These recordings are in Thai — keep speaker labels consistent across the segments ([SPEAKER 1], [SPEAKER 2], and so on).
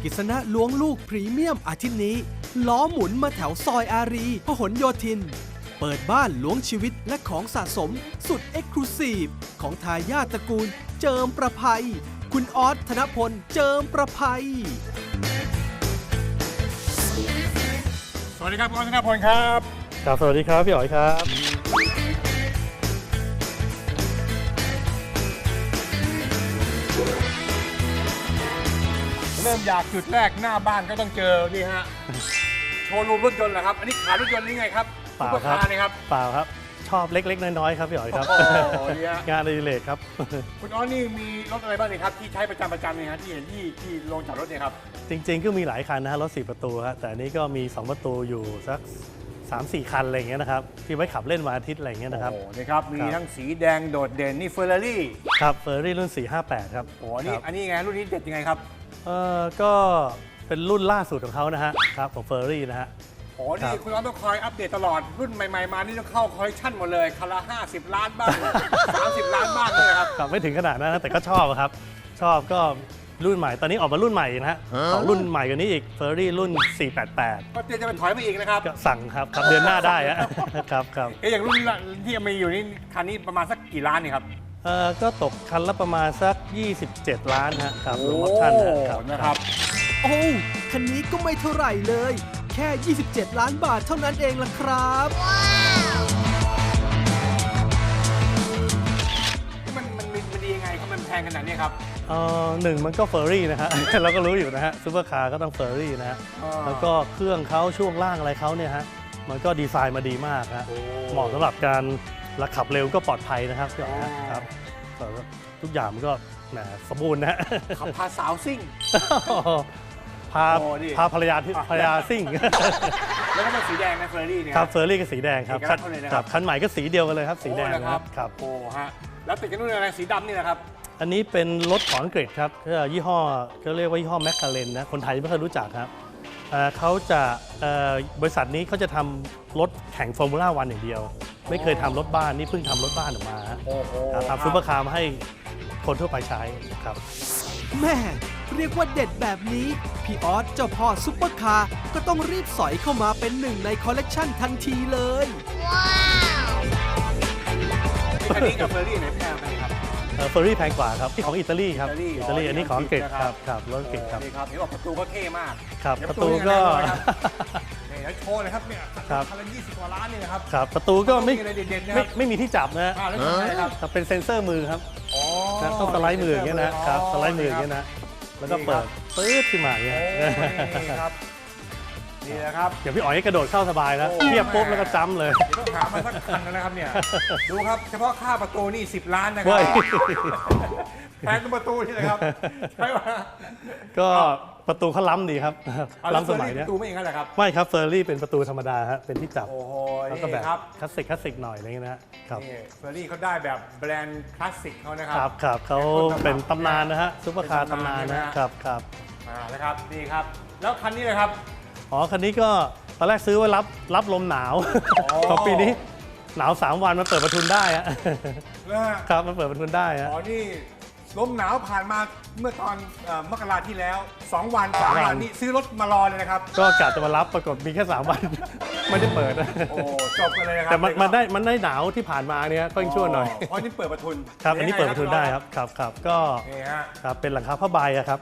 [SPEAKER 1] กิษณะล้วงลูกพรีเมียมอาทิตย์นี้ล้อหมุนมาแถวซอยอารีพหลโยธิน เปิดบ้านล้วงชีวิตและของสะสมสุดเอ็กซ์คลูซีฟของทายาทตระกูลเจิมประภัยคุณออสธนพลเจิมประภัย
[SPEAKER 2] สวัสดีครับคุณออสธนพลครับ
[SPEAKER 3] ครับสวัสดีครับพี่อ๋อยครับ
[SPEAKER 2] เริ่มอยากจุดแรกหน้าบ้านก็ต้องเจอนี่ฮะโชว์รูมรถยนต์เหรอครับอันนี้ขายรถยนต์นี่ไงครับ
[SPEAKER 3] เปล่าครับ
[SPEAKER 2] นี่ครับ
[SPEAKER 3] เปล่าครับชอบเล็กๆน้อยๆครับพี่อ๋อยครับ
[SPEAKER 2] โอ้โหเนี่ย
[SPEAKER 3] งานอดิเรกครับ
[SPEAKER 2] คุณออสนี่มีรถอะไรบ้างนี่ครับที่ใช้ประจำเนี่ยฮะที่เห็นที่โรงจอดรถเนี่ยครับ
[SPEAKER 3] จริงๆก็มีหลายคันนะฮะรถ4ประตูฮะแต่อันนี้ก็มี2ประตูอยู่สัก 3-4 คันอะไรอย่างเงี้ยนะครับที่ไว้ขับเล่นวันอาทิตย์อะไรอย่างเงี้ยนะครับ
[SPEAKER 2] โอ้โหนี่ครับมีทั้งสีแดงโดดเด่นนี่เฟอร์รารี่
[SPEAKER 3] ครับเฟอร์รี่รุ่น458ครับ
[SPEAKER 2] โอ้โหอันนี้ไงรุ่นนี้เด็ดยังไงครับ
[SPEAKER 3] ก็เป็นรุ่นล่าสุดของเขานะฮะครับของเฟอร์รี่นะฮะ
[SPEAKER 2] โอ้โหนี่คุณออสต้องคอยอัปเดตตลอดรุ่นใหม่ๆมานี่ต้องเข้าคอลเลคชันหมดเลยคันละ50 ล้านบ้าง 30 ล้านบ้างเลยครับ
[SPEAKER 3] ครับไม่ถึงขนาดนั้นนะแต่ก็ชอบครับชอบก็รุ่นใหม่ตอนนี้ออกมารุ่นใหม่นะฮะของรุ่นใหม่กว่านี้อีกเฟอร์รี่รุ่น488
[SPEAKER 2] ก็เตรียมจะไปถอยมาอีกนะครับ
[SPEAKER 3] ก็สั่งครับเดือนหน้าได้ฮะ ครับครับ
[SPEAKER 2] อย่างรุ่นที่มีอยู่นี่คันนี้ประมาณสักกี่ล้านนี่ครับ
[SPEAKER 3] ก็ตกคันละประมาณสัก27 ล้านฮะครับรวมออปชั่น
[SPEAKER 2] นะครับ
[SPEAKER 1] โอ้คันนี้ก็ไม่เท่าไหร่เลยแค่ 27 ล้านบาทเท่านั้นเองล่ะครับ
[SPEAKER 2] มันดียังไงครับมันแพงขนาดนี้ครับ
[SPEAKER 3] หนึ่งมันก็เฟอร์รี่นะฮะ เราก็รู้อยู่นะฮะซูเปอร์คาร์ก็ต้องเฟอร์รี่นะฮะแล้วก็เครื่องเขาช่วงล่างอะไรเขาเนี่ยฮะมันก็ดีไซน์มาดีมากฮะเหมาะสำหรับการขับเร็วก็ปลอดภัยนะครับพี่อ๋อยครับทุกอย่างมันก็แหมสมบูรณ์นะฮะ
[SPEAKER 2] ขับพาสาวซิ่ง
[SPEAKER 3] พาภรรยาซิ่ง
[SPEAKER 2] แล้วก็เป็นสีแดงนะเฟอร์รี่เนี่ย
[SPEAKER 3] ครับเฟอร์รี่ก็สีแดงครับคันใหม่ก็สีเดียวกันเลยครับสีแดง
[SPEAKER 2] ครับโอ้ฮะแล้วติดกันด้วยอะไรสีดำนี่นะครับ
[SPEAKER 3] อันนี้เป็นรถของอังกฤษครับยี่ห้อเขาเรียกว่ายี่ห้อแมคคาเรนนะคนไทยไม่เคยรู้จักครับเขาจะบริษัทนี้เขาจะทำรถแข่งฟอร์มูล่าวันอย่างเดียวไม่เคยทำรถบ้านนี่เพิ่งทำรถบ้านออกมาทำซุปเปอร์คาร์มาให้คนทั่วไปใช้ครับ
[SPEAKER 1] แม่เรียกว่าเด็ดแบบนี้พี่ออสเจ้าพ่อซุปเปอร์คาร์ก็ต้องรีบสอยเข้ามาเป็นหนึ่งในคอลเลกชันทันทีเลยว้าว
[SPEAKER 2] คันนี้กับเฟอร์รี่ไหนแพงกันครับ
[SPEAKER 3] เฟอร์รี่แพงกว่าครับที่ของอิตาลีครับอิตาลีอันนี้ของอังกฤษครับรถอังกฤษครับ
[SPEAKER 2] นี่ครับเห็นว่าประตูก็เท่มาก
[SPEAKER 3] ครับประตูก็
[SPEAKER 2] นี่แล้วโชว์เลยครับเนี่ยคันละ20 กว่าล้านนี่นะครับ
[SPEAKER 3] ครับประตูก็ไม่มีที่จับนะเป็นเซ็นเซอร์มือครับต้องสไลด์มืออย่างเงี้ยนะครับสไลด์มืออย่างเงี้ยนะแล้วก็เปิดปื๊ดขึ้นมาอย่างเงี้ย
[SPEAKER 2] นี่ครับนี่แหละครับ
[SPEAKER 3] เดี๋ยวพี่อ๋อยกระโดดเข้าสบายแล้วเทียบปุ๊บแล้วก็จ้ำเลย
[SPEAKER 2] ต้องหามาสักคันนะครับเนี่ยดูครับเฉพาะค่าประตูนี่10 ล้านนะครับแพงตัวประตูนี่นะครับใช่ไหม
[SPEAKER 3] ก็ประตูเขาล้ำดีครับล้ำสมัยนี้
[SPEAKER 2] ประตูไม่อย่างนั้นเหรอครับ
[SPEAKER 3] ไม่ครับเฟอร์รี่เป็นประตูธรรมดาฮะเป็นที่จับ
[SPEAKER 2] โอ้โห
[SPEAKER 3] แล้วก็แบบคลาสสิกหน่อยอะไรเงี้ยนะครับ
[SPEAKER 2] เฟอร์รี่เขาได้แบบแบรนด์คลาสสิกเขานะครับ
[SPEAKER 3] ครับเขาเป็นตำนานนะฮะซุปเปอร์คาร์ตำนานนะครับ
[SPEAKER 2] นะครับนี่ครับแล้วคันนี้เลยครับ
[SPEAKER 3] คันนี้ก็ตอนแรกซื้อไว้รับลมหนาวของปีนี้หนาว3 วันมันเปิดประทุนได้ฮะครับมันเปิดประทุนได้ฮะ
[SPEAKER 2] นี่ลมหนาวผ่านมาเมื่อตอนมกราที่แล้ว2 วันนี่ซื้อรถมารอเลยนะครับ
[SPEAKER 3] ก็กะจะมารับปรากฏมีแค่3 วันไม่ได้เปิด
[SPEAKER 2] โอ้จบกันเลยครับ
[SPEAKER 3] แต่มันได้หนาวที่ผ่านมาเนี่ยก็ยังชั่วหน่อย
[SPEAKER 2] เพราะนี่เปิดประทุน
[SPEAKER 3] ครับอันนี้เปิดประทุนได้ครับก็ครับเป็นหลังคาผ้าใบครับ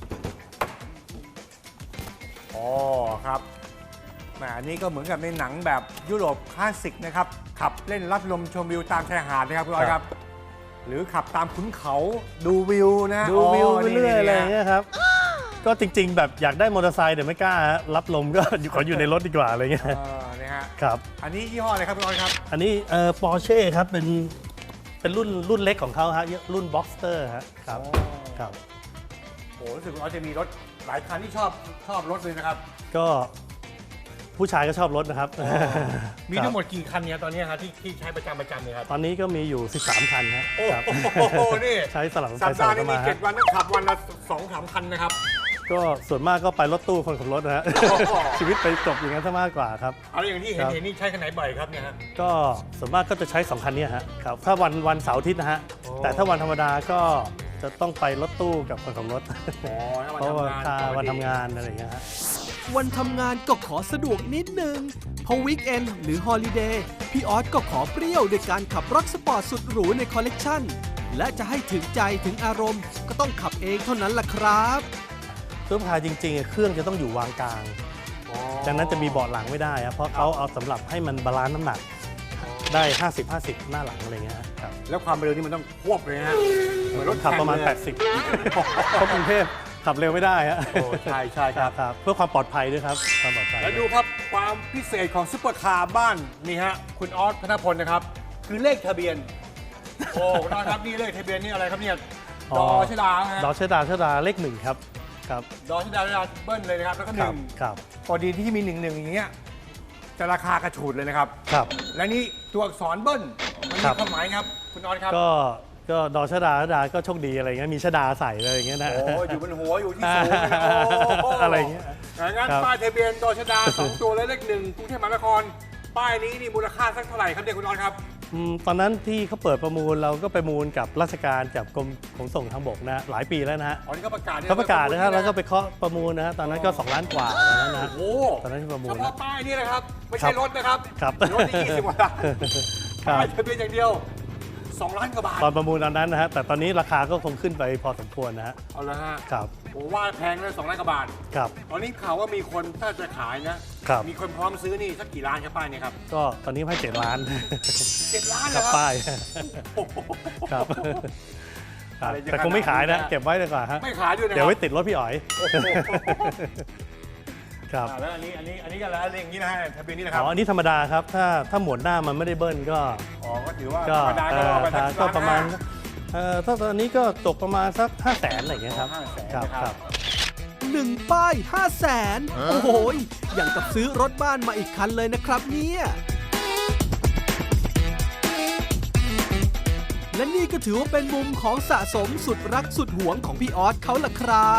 [SPEAKER 2] ครับอันนี้ก็เหมือนกับในหนังแบบยุโรปคลาสสิกนะครับขับเล่นรับลมชมวิวตามชายหาดนะครับคุณออยครับหรือขับตามขุนเขาดูวิวนะ
[SPEAKER 3] ดูวิวไปเรื่อยอะไรเงี้ยครับก็จริงๆแบบอยากได้มอเตอร์ไซค์แต่ไม่กล้ารับลมก็ขออยู่ในรถดีกว่าอะไรเงี้ย
[SPEAKER 2] นะฮะ
[SPEAKER 3] ครับ
[SPEAKER 2] อันนี้ยี่ห้ออะไรครับคุณออยครับ
[SPEAKER 3] อันนี้ปอร์เช่ครับเป็นรุ่นเล็กของเขาฮะรุ่นบ็อกสเตอร์ครับ
[SPEAKER 2] โอ้รู้สึกว่าจะมีรถหลายคันที่ชอบรถเลยนะครับ
[SPEAKER 3] ก็ผู้ชายก็ชอบรถนะครับ
[SPEAKER 2] มีทั้งหมดกี่คันเนี่ยตอนนี้ครับที่ใช้ประจำเนี่ยครับ
[SPEAKER 3] ตอนนี้ก็มีอยู่13 คันครับ
[SPEAKER 2] โอ้โหนี่
[SPEAKER 3] ใช้สลับ
[SPEAKER 2] สัปดาห์นี้มี7 วันต้องขับวันละ2-3 คันนะครับ
[SPEAKER 3] ก็ส่วนมากก็ไปรถตู้คนขับรถนะฮะชีวิตไปจบอย่างนั้นซะมากกว่าครับ
[SPEAKER 2] เอาอย่างที่เห็นนี่ใช้คันไหนบ่อยครับเนี่ยฮะ
[SPEAKER 3] ก็ส่วนมากก็จะใช้2 คันนี้ครับถ้าวันเสาร์อาทิตย์นะฮะแต่ถ้าวันธรรมดาก็จะต้องไปรถตู้กับคนขับรถ
[SPEAKER 2] อ๋อถ้า
[SPEAKER 3] เพราะว่า
[SPEAKER 2] วันทำงาน
[SPEAKER 3] วันทำงานอะไรอย่างเงี้ยฮะ
[SPEAKER 1] วันทำงานก็ขอสะดวกนิดนึง พอวีคเอนหรือฮอลิเดย์พี่ออสก็ขอเปรี้ยวด้วยการขับรถสปอร์ตสุดหรูในคอลเลกชันและจะให้ถึงใจถึงอารมณ์ก็ต้องขับเองเท่านั้นล่ะครับ
[SPEAKER 3] ซุปเปอร์คาร์จริงๆเครื่องจะต้องอยู่วางกลาง
[SPEAKER 2] อ๋อ
[SPEAKER 3] จากนั้นจะมีเบาะหลังไม่ได้ครับเพราะเขาเอาสำหรับให้มันบาลานซ์น้ำหนักได้ 50-50 หน้าหลังอะไรเงี้ยครับ
[SPEAKER 2] แล้วความเร็วนี่มันต้องควบเลยนะเหมือนรถ
[SPEAKER 3] ขับประมาณ
[SPEAKER 2] แข่งเลย
[SPEAKER 3] 80เพราะกรุงเทพขับเร็วไม่ได้ฮะ
[SPEAKER 2] โอ้ใช่ใช่ครับ
[SPEAKER 3] ครับเพื่อความปลอดภัยด้วยครับความปลอดภัย
[SPEAKER 2] แล้วดูครับความพิเศษของซุปเปอร์คาร์บ้านนี่ฮะคุณออสธนพลนะครับ คือเลขทะเบียน โอ้คุณออสครับนี่เลขทะเบียนนี่อะไรครับเนี่ยดอชดาฮะ
[SPEAKER 3] ดอชดาเลข 1 ครับครับ
[SPEAKER 2] ดอชดาเบิ้ลเลยนะครับแล้วก็ห
[SPEAKER 3] ครั
[SPEAKER 2] นึ่
[SPEAKER 3] บ
[SPEAKER 2] ง
[SPEAKER 3] ครับ
[SPEAKER 2] พอดีที่มี1-1อย่างเงี้ยจะราคากระฉูดเลยนะครับ
[SPEAKER 3] ครับ
[SPEAKER 2] และนี่ตัวอักษรเบิ้ลมันมี
[SPEAKER 3] ครับ
[SPEAKER 2] ความหมายครับคุณออสครับ
[SPEAKER 3] ก็ดอชดาก็โชคดีอะไรเงี้ยมีชดาใส่อะไรอย่างเงี้ยนะ
[SPEAKER 2] โอ้อยู่บนหัวอยู่ที่สูงเลยนะโ
[SPEAKER 3] อะไรเงี้ย
[SPEAKER 2] งั้น
[SPEAKER 3] ครับ
[SPEAKER 2] ป้ายทะเบียนดอชดา 2 ตัวและเลข1กรุงเทพมหานครป้ายนี้นี่มูลค่าสักเท่าไหร่ครับเนี่ยคุณออสครับ
[SPEAKER 3] ตอนนั้นที่เขาเปิดประมูลเราก็ไปมูลกับราชการกับกรมขนส่งทางบกนะหลายปีแล้วนะฮะ
[SPEAKER 2] อ๋อนี่ก็ประกาศ
[SPEAKER 3] เขาประกาศนะฮะแล้วก็ไปเคาะประมูลนะฮะตอนนั้นก็2 ล้านกว่าตอนนั้นนะ
[SPEAKER 2] โอ้โห
[SPEAKER 3] ตอนนั้นที่ประมูล
[SPEAKER 2] เฉ
[SPEAKER 3] นะ
[SPEAKER 2] พาะป้ายนี่นะครับ ไม่ใช่รถนะครับ
[SPEAKER 3] ครับ
[SPEAKER 2] รถนี่20กว่าล้าน
[SPEAKER 3] ครับ
[SPEAKER 2] ป้ายทะเบียนอย่างเดียว 2 ล้านกว่าบาท
[SPEAKER 3] ตอนประมูลตอนนั้นนะฮะแต่ตอนนี้ราคาก็คงขึ้นไปพอสมควรนะฮะ
[SPEAKER 2] เอาละฮะ
[SPEAKER 3] ครับ
[SPEAKER 2] ผมว่าแพงเลย2 ล้านกว่าบาท
[SPEAKER 3] ครับ
[SPEAKER 2] ตอนนี้ข่าวว่ามีคนถ้าจะขายนะครับ มีคนพร้อมซื้อนี่สักกี่ล้านครับป้ายเนี่ยครับ
[SPEAKER 3] ก็ตอนนี้ให้7 ล้าน
[SPEAKER 2] 7 ล้าน
[SPEAKER 3] ค
[SPEAKER 2] เหร
[SPEAKER 3] รั
[SPEAKER 2] อบ ครับ
[SPEAKER 3] ป้าย
[SPEAKER 2] โอ้โห
[SPEAKER 3] ครับครับ
[SPEAKER 2] อะไรจะ
[SPEAKER 3] แต่คงไม่ขายนะ
[SPEAKER 2] ขนาดนี้นะ
[SPEAKER 3] เก็บไว้ดีกว่าฮะ
[SPEAKER 2] ไม่ขายด้วยนะค
[SPEAKER 3] เดี๋ยว
[SPEAKER 2] รับ
[SPEAKER 3] ไว้ติดรถพี่อ๋อย
[SPEAKER 2] โอ้โห
[SPEAKER 3] ครับ
[SPEAKER 2] แล้วอันนี้ก็แล้วอะไรอย่างนี้นะฮะทะเบียนนี้นะค
[SPEAKER 3] อ๋
[SPEAKER 2] รับ
[SPEAKER 3] ออันนี้ธรรมดาครับถ้าหมวดหน้ามันไม่ได้เบิ้ลก็
[SPEAKER 2] อ๋อก็ถือว่า
[SPEAKER 3] ก็
[SPEAKER 2] ธรรมดาก็เอาไปสัก
[SPEAKER 3] ก็ประมาณ
[SPEAKER 2] 1,500,000
[SPEAKER 3] ถ้าตอนนี้ก็ตกประมาณสัก 500,000อะไรอย่างเงี้ยครับ
[SPEAKER 2] 500,000
[SPEAKER 3] ครับ
[SPEAKER 2] นะครับ
[SPEAKER 3] ครับ
[SPEAKER 1] 1 ป้าย 500,000 โอ้โหยอย่างกับซื้อรถบ้านมาอีกคันเลยนะครับเนี่ย และนี่ก็ถือว่าเป็นมุมของสะสมสุดรักสุดหวงของพี่ออสเขาล่ะครับ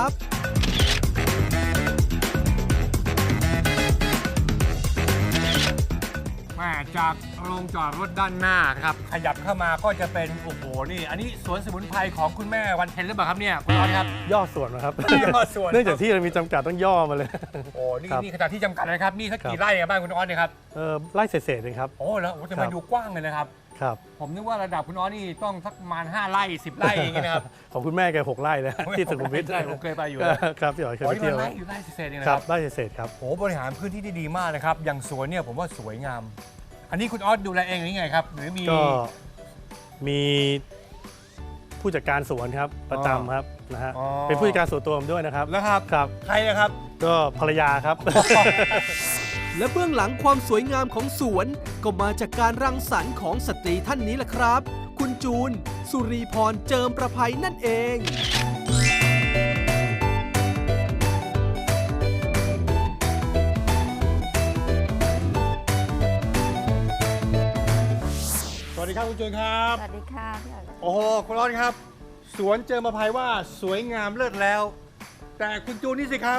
[SPEAKER 2] มาจากโรงจอดรถด้านหน้าครับ ขยับเข้ามาก็จะเป็นโอ้โหนี่อันนี้สวนสมุนไพรของคุณแม่วันเพ็ญหรือเปล่าครับเนี่ยคุณออสครับ
[SPEAKER 3] ย่อส่วนนะครับ
[SPEAKER 2] ย่อส่วน
[SPEAKER 3] เนื่องจากที่เรามีจำกัดต้องย่อมาเลย
[SPEAKER 2] โอ้นี่
[SPEAKER 3] ครับ
[SPEAKER 2] นี่ขนาดที่จำกัดนะครับนี่สัก
[SPEAKER 3] ครั
[SPEAKER 2] กี่
[SPEAKER 3] บ
[SPEAKER 2] ไร่เนี่ยบ้านคุณออสเนี่ยครับ
[SPEAKER 3] ไล่เศษๆเองครับ
[SPEAKER 2] โอ้แล้วโอ้แต่
[SPEAKER 3] ครั
[SPEAKER 2] มัน
[SPEAKER 3] บ
[SPEAKER 2] ดูกว้างเลยนะครับ
[SPEAKER 3] ครับ
[SPEAKER 2] ผมนึกว่าระดับคุณออสนี่ต้องสักประมาณ5 ไร่10 ไร่อย่างเงี้ยนะครับ
[SPEAKER 3] ของคุณแม่แก6 ไร่นะที่สุขุมวิท
[SPEAKER 2] ใช่ผมเคยไปอยู่
[SPEAKER 3] ครับพี่อ๋อยเคย
[SPEAKER 2] โอ้
[SPEAKER 3] ไป
[SPEAKER 2] นี่
[SPEAKER 3] เที่
[SPEAKER 2] มั
[SPEAKER 3] ย
[SPEAKER 2] น
[SPEAKER 3] ว
[SPEAKER 2] ไร่อยู่ไร่เศษๆเองนะ
[SPEAKER 3] ค
[SPEAKER 2] ค
[SPEAKER 3] รั
[SPEAKER 2] รั
[SPEAKER 3] บบ ไล่เศษๆครับ
[SPEAKER 2] โอ้บริหารพื้นที่ได้ดีมากนะครับอย่างสวนเนี่ยผมว่าสวยงาม อันนี้คุณออสดูแลเองหรือไงครับหรือมี
[SPEAKER 3] ก็มีผู้จัดการสวนครับประจำครับนะฮะ
[SPEAKER 2] อ๋อ
[SPEAKER 3] เป็นผู้จัดการส่วนตัวผมด้วยนะครับ
[SPEAKER 2] แล้วครับ
[SPEAKER 3] ครับ
[SPEAKER 2] ใครนะครับ
[SPEAKER 3] ก็ภรรยาครับ
[SPEAKER 1] และเบื้องหลังความสวยงามของสวน ก็มาจากการรังสรรค์ของสตรีท่านนี้แหละครับ คุณจูน สุรีพรเจิมประภัยนั่นเอง
[SPEAKER 2] สวัสดีครับคุณจูนครับ
[SPEAKER 4] สวัสดีค่ะพี่อ๋อย
[SPEAKER 2] โอ้โหคุณออสครับ สวนเจอมาภัยว่าสวยงามเลิศแล้ว แต่คุณจูนนี่สิครับ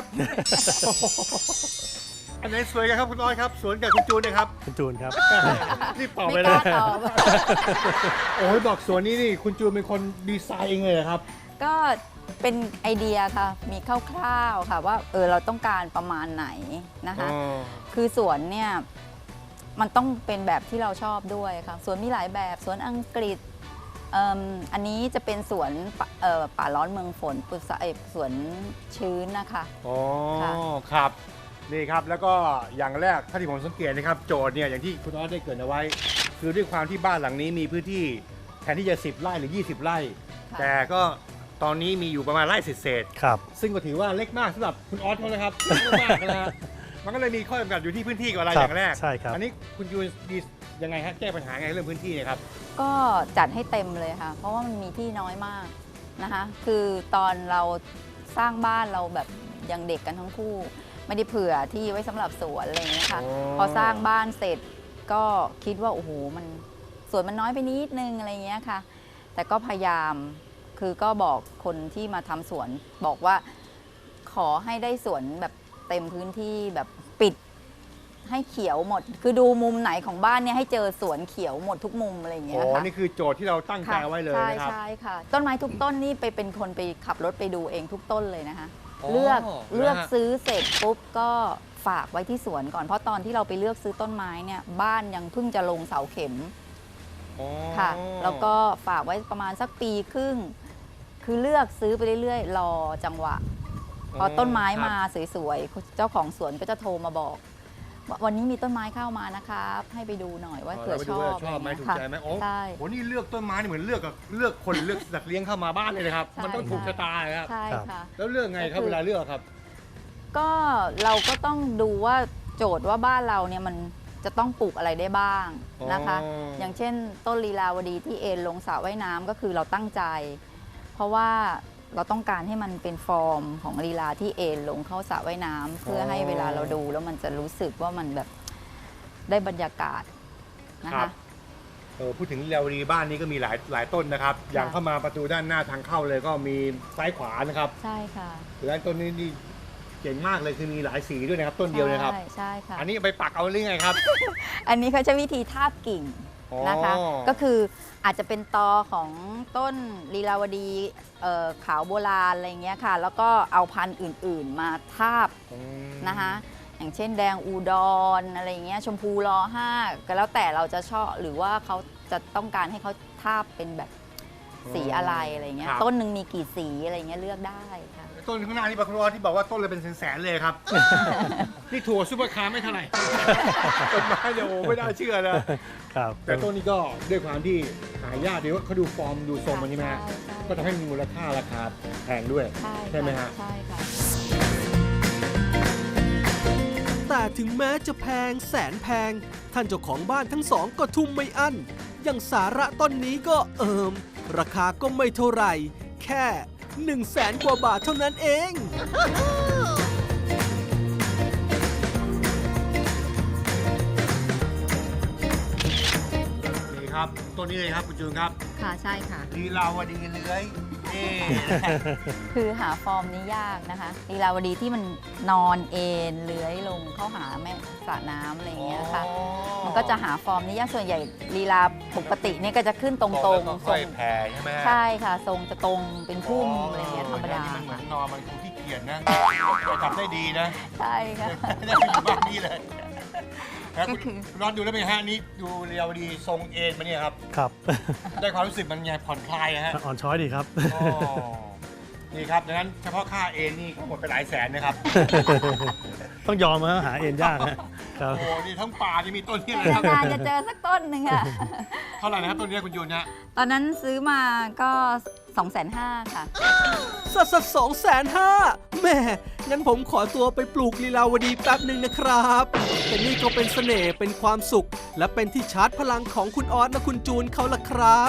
[SPEAKER 2] อันไหนสวยกันครับคุณออสครับสวนกับคุณจูนเนี่ยครับ
[SPEAKER 3] คุณจูนครับ
[SPEAKER 2] รีบตอบไป
[SPEAKER 4] ไม่
[SPEAKER 2] เล
[SPEAKER 4] ก
[SPEAKER 2] ย
[SPEAKER 4] ล้าตอบ
[SPEAKER 2] โอ้ยบอกสวนนี้นี่คุณจูนเป็นคนดีไซน์เองเลยเหรอครับ
[SPEAKER 4] ก็เป็นไอเดียค่ะ มีคร่าวๆค่ะว่าเราต้องการประมาณไหนนะคะ คือสวนเนี่ยมันต้องเป็นแบบที่เราชอบด้วยค่ะสวนมีหลายแบบสวนอังกฤษอันนี้จะเป็นสวนป่าร้อนเมืองฝนสวนชื้นนะคะ
[SPEAKER 2] อ๋อ
[SPEAKER 4] ค่ะ
[SPEAKER 2] ครับ นี่ครับแล้วก็อย่างแรกถ้าที่ผมสังเกตนะครับโจทย์เนี่ยอย่างที่คุณออสได้เกริดเอาไว้ คือด้วยความที่บ้านหลังนี้มีพื้นที่แทนที่จะ10 ไร่หรือ 20 ไร่
[SPEAKER 4] ค่ะ
[SPEAKER 2] แต่ก็ตอนนี้มีอยู่ประมาณไร่เศษ
[SPEAKER 3] ครับ
[SPEAKER 2] ๆซึ่งก็ถือว่าเล็กมากสำหรับคุณออสเขานะครับเล็กมากนะฮะมันก็เลยมีข้อจำกัดอยู่ที่พื้นที่ก่อนอะไร
[SPEAKER 3] ครับ
[SPEAKER 2] อย่างแรก
[SPEAKER 3] ใช่ครับ
[SPEAKER 2] อันนี้คุณยูนดียังไงฮะแก้ปัญหาไงเรื่องพื้นที่เนี่ยครับ
[SPEAKER 4] ก็จัดให้เต็มเลยค่ะ เพราะว่ามันมีที่น้อยมากนะคะคือตอนเราสร้างบ้านเราแบบยังเด็กกันทั้งคู่ ไม่ได้เผื่อที่ไว้สำหรับสวนอะไรอย่างเงี้ยค่ะ
[SPEAKER 2] อ๋อ
[SPEAKER 4] พอสร้างบ้านเสร็จก็คิดว่าโอ้โหมันสวนมันน้อยไปนิดนึงอะไรเงี้ยค่ะ แต่ก็พยายามคือก็บอกคนที่มาทำสวนบอกว่าขอให้ได้สวนแบบเต็มพื้นที่แบบปิดให้เขียวหมด คือดูมุมไหนของบ้านเนี่ยให้เจอสวนเขียวหมดทุกมุมอะไรอย่างเงี้
[SPEAKER 2] อ๋
[SPEAKER 4] ย
[SPEAKER 2] อ
[SPEAKER 4] ค่ะ
[SPEAKER 2] นี่คือโจทย์ที่เราตั้งใจเอาไว้เลย
[SPEAKER 4] ใช่
[SPEAKER 2] นะครับ
[SPEAKER 4] ใช่ค่ะ ต้นไม้ทุกต้นนี่เป็นคนไปขับรถไปดูเองทุกต้นเลยนะคะ
[SPEAKER 2] อ๋อ
[SPEAKER 4] เลือก
[SPEAKER 2] นะฮะ
[SPEAKER 4] ซื้อเสร็จปุ๊บก็ฝากไว้ที่สวนก่อน เพราะตอนที่เราไปเลือกซื้อต้นไม้เนี่ยบ้านยังเพิ่งจะลงเสาเข็ม
[SPEAKER 2] อ๋อ
[SPEAKER 4] ค่ะ แล้วก็ฝากไว้ประมาณสักปีครึ่ง คือเลือกซื้อไปเรื่อยๆ รอจังหวะ พอต้นไม้มาสวยๆ เจ้าของสวนก็จะโทรมาบอกว่าวันนี้มีต้นไม้เข้ามานะครับ ให้ไปดูหน่อยว่าเผื่อชอบ
[SPEAKER 2] ชอบไหม
[SPEAKER 4] ะร
[SPEAKER 2] ถูก
[SPEAKER 4] เงี้ย
[SPEAKER 2] ใจไหมโอ้
[SPEAKER 4] ใช่
[SPEAKER 2] โหนี่เลือกต้นไม้นี่เหมือนเลือกคนเลือกสัตว์เลี้ยงเข้ามาบ้านเลยนะครับ
[SPEAKER 4] ใช่
[SPEAKER 2] มันต้องถูกชะตาเลยครับ
[SPEAKER 4] ใช่ค่ะ
[SPEAKER 2] แล้วเลือกไงครับเวลาเลือกครับ
[SPEAKER 4] ก็เราก็ต้องดูว่าโจทย์ว่าบ้านเราเนี่ยมันจะต้องปลูกอะไรได้บ้างนะคะ
[SPEAKER 2] อ๋อ
[SPEAKER 4] อ
[SPEAKER 2] อ
[SPEAKER 4] ย่างเช่นต้นลีลาวดีที่เอ็นลงสระว่ายน้ำก็คือเราตั้งใจ เพราะว่าเราต้องการให้มันเป็นฟอร์มของลีลาที่เอ็นลงเข้าสระว่ายน้ำเพื่อให้เวลาเราดูแล้วมันจะรู้สึกว่ามันแบบได้บรรยากาศนะ
[SPEAKER 2] ครั
[SPEAKER 4] คะ
[SPEAKER 2] บ พูดถึงเรวดีบ้านนี้ก็มีหลายต้นนะครับ อย่างเข้ามาประตูด้านหน้าทางเข้าเลยก็มีซ้ายขวานะครับ
[SPEAKER 4] ใช่ค่ะ
[SPEAKER 2] และต้นนี้นี่เจ๋งมากเลยคือมีหลายสีด้วยนะครับ ต้นเดียวนะครับ
[SPEAKER 4] ใช่ค่ะ
[SPEAKER 2] อันนี้ไปปักเอาหรือไงครับ
[SPEAKER 4] อันนี้เขาใช้วิธีทาบกิ่งนะคะ
[SPEAKER 2] อ๋อ
[SPEAKER 4] ก็คืออาจจะเป็นตอของต้นลีลาวดีขาวโบราณอะไรเงี้ยค่ะ แล้วก็เอาพันธุ์อื่นๆมาทาบนะคะ อย่างเช่นแดงอูดอนอะไรเงี้ยชมพูรอ5ก็แล้วแต่เราจะชอบหรือว่าเขาจะต้องการให้เขาทาบเป็นแบบสีอะไรอะไรเงี้ย
[SPEAKER 2] ครับ
[SPEAKER 4] ต้นหนึ่งมีกี่สีอะไรเงี้ยเลือกได้ค่ะ
[SPEAKER 2] ต้นข้างหน้านี่ปะครอที่บอกว่าต้นเลยเป็นแสนๆเลยครับ นี่ถั่วซุปเปอร์คาร์ไม่เท่าไหร่ ต้นไม้เนี่ยโอ้ไม่น่าเชื่อนะ
[SPEAKER 3] ครับ
[SPEAKER 2] แต่ต้นนี้ก็ด้วยความที่หายากเดี๋ยวเขาดูฟอร์มดูทรงมันใช่ไหมฮะ
[SPEAKER 4] ใช่ใช่
[SPEAKER 2] ก็ทำให้มีมูลค่าราคาแพงด้วย ใช่ไหมฮะ
[SPEAKER 4] ใช่ค่ะ
[SPEAKER 1] แต่ถึงแม้จะแพงแสนแพง ท่านเจ้าของบ้านทั้งสองก็ทุ่มไม่อั้น อย่างสาระต้นนี้ก็ราคาก็ไม่เท่าไหร่ แค่100,000 กว่าบาทเท่านั้นเอง
[SPEAKER 2] นี่ครับต้นนี้เลยครับคุณจูนครับ
[SPEAKER 4] ค่ะใช่ค่ะ
[SPEAKER 2] ลีลาวดีเลื้อยนี่
[SPEAKER 4] คือหาฟอร์มนี้ยากนะคะลีลาวดีที่มันนอนเอนเลื้อยลงเข้าหาแม่สระน้ำอะไรอย่างเงี้ยค่ะ มันก็จะหาฟอร์มนี้ยากส่วนใหญ่ลีลาปกติเนี่ยก็จะขึ้นตรงๆ
[SPEAKER 2] ตรง
[SPEAKER 4] ท
[SPEAKER 2] ค่
[SPEAKER 4] ร
[SPEAKER 2] อย
[SPEAKER 4] ง
[SPEAKER 2] แผ่ใช่ไหมฮะ
[SPEAKER 4] ใช่ค่ะ ทรงจะตรงเป็นพุ่มอะไรอย่างเงี้ยธรรมดา
[SPEAKER 2] มันเหมือ
[SPEAKER 4] ค่ะ
[SPEAKER 2] นนอนมันคงขี้เกียจนะทำได้ดีนะ
[SPEAKER 4] ใช่ค่ะ
[SPEAKER 2] ได้ไปอยู่บ้านนี้เลยแล้ว
[SPEAKER 4] ก็
[SPEAKER 2] คุณ
[SPEAKER 4] คือ
[SPEAKER 2] นอนดูแล้วเป็นไงฮะนี่ดูลีลาวดีทรงเอ็นมาเนี่ยครับ
[SPEAKER 3] ครับ
[SPEAKER 2] ได้ความรู้สึกมันไงผ่อนคลายนะฮะ
[SPEAKER 3] อ่อนช้อยดีครับ
[SPEAKER 2] อ๋อนี่ครับดังนั้นเฉพาะค่าเอ็นนี่ก็หมดไปหลายแสนนะครับ
[SPEAKER 3] ต้องยอมหาเองยากนะครับ
[SPEAKER 2] โอ้โหนี่ทั้งป่านี่มีต้นนี่เลยครับ
[SPEAKER 4] นานๆจะเจอสักต้นหนึ่งอะ
[SPEAKER 2] เท่าไหร่นะครับต้นนี้คุณยูนฮะ
[SPEAKER 4] ตอนนั้นซื้อมาก็ 250,000 ค่ะ
[SPEAKER 1] สัก250,000แม่งั้นผมขอตัวไปปลูกลีลาวดีแป๊บหนึ่งนะครับแต่นี่ก็เป็นเสน่ห์เป็นความสุข และเป็นที่ชาร์จพลังของคุณออสและคุณจูนเขาล่ะครับ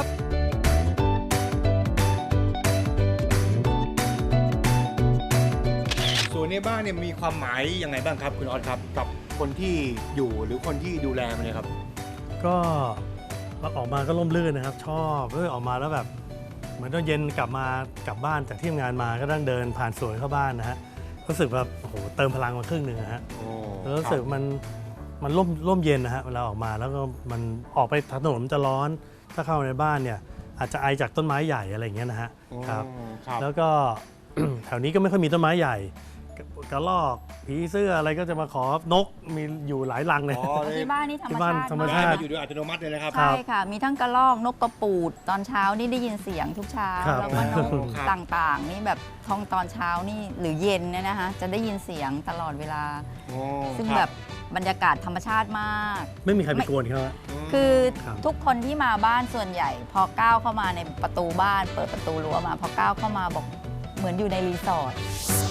[SPEAKER 2] ส่วนในบ้านเนี่ยมีความหมายยังไงบ้างครับคุณออสครับ กับคนที่อยู่หรือคนที่ดูแลมันเนี่ยครับ
[SPEAKER 3] ก็ออกมาก็ร่มรื่นนะครับ ชอบออกมาแล้วแบบเหมือนตอนเย็นกลับบ้านจากที่ทำงานมาก็ต้องเดินผ่านสวนเข้าบ้านนะฮะรู้สึกแบบโอ้โหเติมพลังมาครึ่งหนึ่งนะฮะแล้วรู้สึกมันร่มเย็นนะฮะเวลาออกมาแล้วก็มันออกไปถนนมันจะร้อนถ้าเข้าในบ้านเนี่ยอาจจะไอจากต้นไม้ใหญ่อะไรอย่างเงี้ยนะฮะครับ
[SPEAKER 2] ครับ
[SPEAKER 3] แล้วก็ แถวนี้ก็ไม่ค่อยมีต้นไม้ใหญ่กระรอกผีเสื้ออะไรก็จะมาขอนกมีอยู่หลายรังเลย
[SPEAKER 2] อ๋อเลย
[SPEAKER 4] ที่บ้านนี่ธรรม
[SPEAKER 3] ที่บ้าน
[SPEAKER 4] ชาติ
[SPEAKER 3] ธรรม
[SPEAKER 4] มาก
[SPEAKER 3] ชาติ
[SPEAKER 2] มาอยู่โดยอัตโนมัติเลยนะครับ
[SPEAKER 4] ใช่ค่ะ มีทั้งกระรอกนกกระปูดตอนเช้านี่ได้ยินเสียงทุกเช้า
[SPEAKER 3] ครับ
[SPEAKER 4] แล้วก็นก
[SPEAKER 2] ครับ
[SPEAKER 4] ต่างๆ นี่แบบท้องตอนเช้านี่หรือเย็นเนี่ยนะคะจะได้ยินเสียงตลอดเวลา
[SPEAKER 2] โอ้
[SPEAKER 4] ซึ่ง
[SPEAKER 2] ครับ
[SPEAKER 4] แบบบรรยากาศธรรมชาติมาก
[SPEAKER 3] ไม่มีใครไปกวนเขาอะ
[SPEAKER 4] คือ
[SPEAKER 3] ครับ
[SPEAKER 4] ทุกคนที่มาบ้านส่วนใหญ่ พอก้าวเข้ามาในประตูบ้าน เปิดประตูรั้วมา พอก้าวเข้ามาบอกเหมือนอยู่ในรีสอร์ท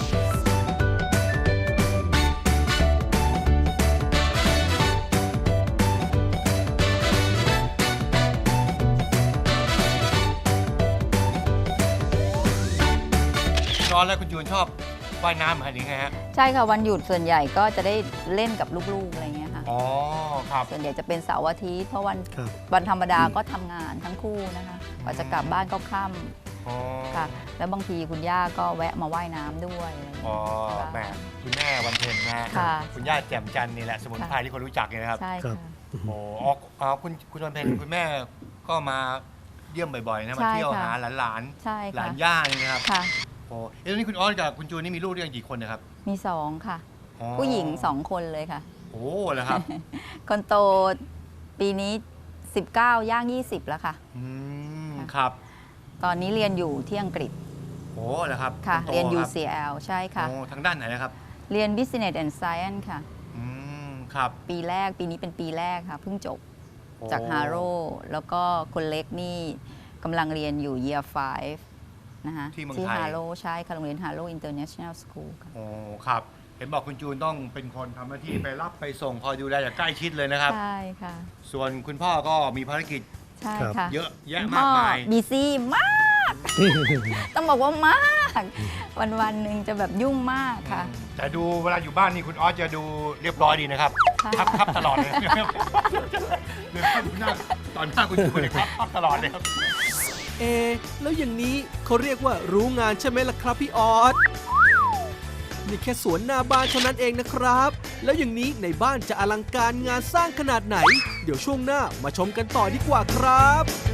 [SPEAKER 2] ร้อนแล้วคุณยูนชอบว่ายน้ำหรือไงฮะ
[SPEAKER 4] ใช่ค่ะวันหยุดส่วนใหญ่ก็จะได้เล่นกับลูกๆอะไรเงี้ยค่ะ
[SPEAKER 2] อ๋อครับ
[SPEAKER 4] ส่วนใหญ่จะเป็นเสาร์อาทิตย์เพราะวัน
[SPEAKER 3] ครับ
[SPEAKER 4] วันธรรมดาก็ทำงานทั้งคู่นะคะกว่าจะกลับบ้านก็ค่
[SPEAKER 2] อ๋อ
[SPEAKER 4] ค่ะ แล้วบางทีคุณย่าก็แวะมาว่ายน้ำด้วยอะไรอย่าง
[SPEAKER 2] อ๋อ
[SPEAKER 4] เงี้ย
[SPEAKER 2] แหม่คุณแม่วันเพ็ญนะฮะ
[SPEAKER 4] ค่ะ
[SPEAKER 2] คุณย่าแจ่มจันทร์นี่แหละสมุนไพรที่คนรู้จักเนี่ยนะครับ
[SPEAKER 4] ใช่
[SPEAKER 3] ครั
[SPEAKER 4] ค่ะ
[SPEAKER 3] บ
[SPEAKER 2] โอ้อ๋อคุณวันเพ็ญคุณแม่ก็มาเยี่ยมบ่อยๆนะมา
[SPEAKER 4] ใช่
[SPEAKER 2] เที่ยว
[SPEAKER 4] ค่ะ
[SPEAKER 2] หาหลาน
[SPEAKER 4] ใช่
[SPEAKER 2] ๆหลา
[SPEAKER 4] ค่ะ
[SPEAKER 2] นย่านี่นะครับ
[SPEAKER 4] ค่ะ
[SPEAKER 2] โอ้ตอนนี้คุณออสกับคุณจูนนี่มีลูกด้วยกันกี่คนนะครับ
[SPEAKER 4] มี2ค่ะ
[SPEAKER 2] อ๋อ
[SPEAKER 4] ผู้หญิง2คนเลยค่ะ
[SPEAKER 2] โอ้เหรอครับ
[SPEAKER 4] คนโตปีนี้ 19 ย่าง 20 แล้วค่ะ
[SPEAKER 2] อืม
[SPEAKER 4] ค่ะ
[SPEAKER 2] ครับ
[SPEAKER 4] ตอนนี้เรียนอยู่ที่อังกฤษ
[SPEAKER 2] โอ้เหรอครับ
[SPEAKER 4] ค่ะ
[SPEAKER 2] ณโต
[SPEAKER 4] เรียน
[SPEAKER 2] ครับ
[SPEAKER 4] UCL ใช่ค่ะ
[SPEAKER 2] โอ้ทางด้านไหนนะครับ
[SPEAKER 4] เรียน Business and Science ค่ะ
[SPEAKER 2] อืมครับ
[SPEAKER 4] ปีนี้เป็นปีแรกค่ะ เพิ่งจบ
[SPEAKER 2] โอ้
[SPEAKER 4] จาก Harrow แล้วก็คนเล็กนี่กำลังเรียนอยู่ Year 5 นะคะ
[SPEAKER 2] ที่เมือง
[SPEAKER 4] ที่
[SPEAKER 2] ไทย
[SPEAKER 4] Harrow ใช่ค่ะโรงเรียน Harrow International School ค่ะ
[SPEAKER 2] โอ้ครับ เห็นบอกคุณจูนต้องเป็นคนทำหน้าที่ไปรับไปส่งคอยดูแลอย่างใกล้ชิดเลยนะครับ
[SPEAKER 4] ใช่ค่ะ
[SPEAKER 2] ส่วนคุณพ่อก็มีภารกิจ
[SPEAKER 4] ใช่
[SPEAKER 3] ครับ
[SPEAKER 4] ค่ะ
[SPEAKER 2] เยอะแยะ
[SPEAKER 4] คุณ
[SPEAKER 2] มาก
[SPEAKER 4] พ่อ
[SPEAKER 2] มาย
[SPEAKER 4] บีซี่มาก ต้องบอกว่ามาก วันๆหนึ่งจะแบบยุ่งมากค่ะ
[SPEAKER 2] แต่ดูเวลาอยู่บ้านนี่คุณออสจะดูเรียบร้อยดีนะครับ
[SPEAKER 4] ค่ะ
[SPEAKER 2] ครับตลอดเลยนะครับเดินหน้าตอนหน้าคุณจูนเลยครับตลอดเลยครับ
[SPEAKER 1] แล้วอย่างนี้เขาเรียกว่ารู้งานใช่ไหมล่ะครับพี่ออสนี่แค่สวนหน้าบ้านเท่านั้นเองนะครับ แล้วอย่างนี้ในบ้านจะอลังการงานสร้างขนาดไหน เดี๋ยวช่วงหน้ามาชมกันต่อดีกว่าครับ